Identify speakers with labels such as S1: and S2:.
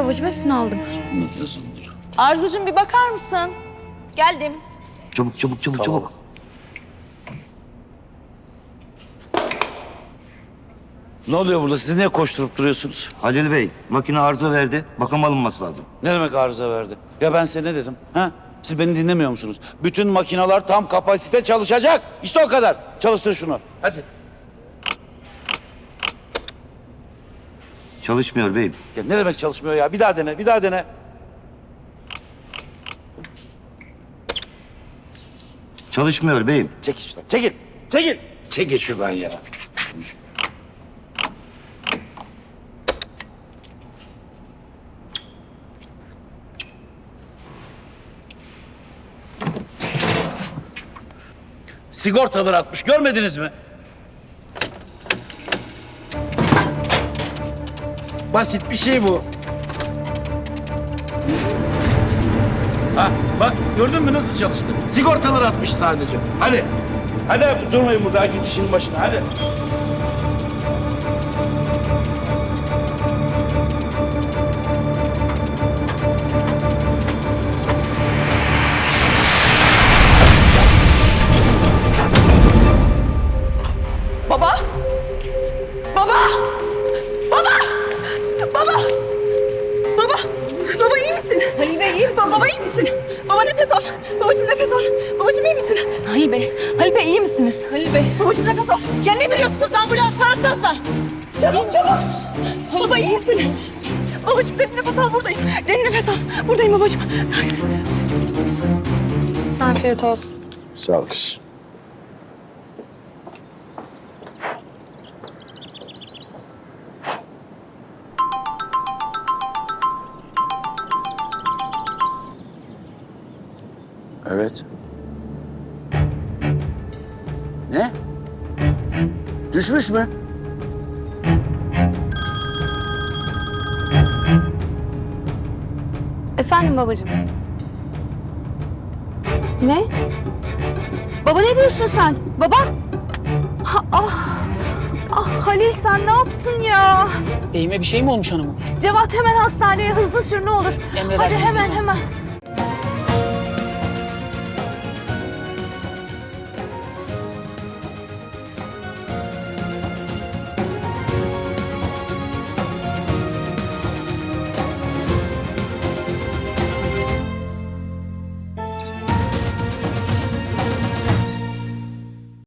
S1: babacığım, hepsini aldım.
S2: Yazıldır.
S3: Arzucuğum bir bakar mısın?
S1: Geldim.
S4: Çabuk çabuk çabuk çabuk.
S2: Ne oluyor burada? Siz niye koşturup duruyorsunuz?
S4: Halil Bey, makine arıza verdi. Bakım alınması lazım.
S2: Ne demek arıza verdi? Ya ben size ne dedim? Ha? Siz beni dinlemiyor musunuz? Bütün makineler tam kapasite çalışacak. İşte o kadar. Çalıştır şunu. Hadi.
S4: Çalışmıyor beyim.
S2: Ya ne demek çalışmıyor ya? Bir daha dene, bir daha dene.
S4: Çalışmıyor beyim.
S2: Çekil şuradan. Çekil. Çekil. Çekil şuradan ya. Sigortalar atmış. Görmediniz mi? Basit bir şey bu. Ha, bak gördün mü nasıl çalıştı? Sigortalar atmış sadece. Hadi. Hadi durmayın burada. Herkes işinin başına. Hadi.
S1: Baba! Baba! Baba! Baba! Baba! Baba iyi misin? Halil Bey iyi misin? Baba iyi misin? Baba nefes al. Babacığım nefes al. Babacığım iyi misin? Halil Bey. Halil Bey iyi misiniz? Halil Bey. Babacığım nefes al. Ya ne duruyorsunuz? Ambulans arasanıza. Çabuk çabuk. Baba iyi misin? Babacığım derin nefes al, buradayım. Derin nefes al. Buradayım babacığım. Sakin.
S5: Afiyet olsun.
S2: Sağ ol kız. Evet. Ne? Düşmüş mü?
S1: Efendim babacığım. Ne? Baba ne diyorsun sen? Baba? Ah Halil sen ne yaptın ya?
S6: Beyime bir şey mi olmuş hanımım?
S1: Cevat hemen hastaneye hızlı sür ne olur. Hadi
S6: Emredersiniz
S1: hemen
S6: hanım.
S1: hemen.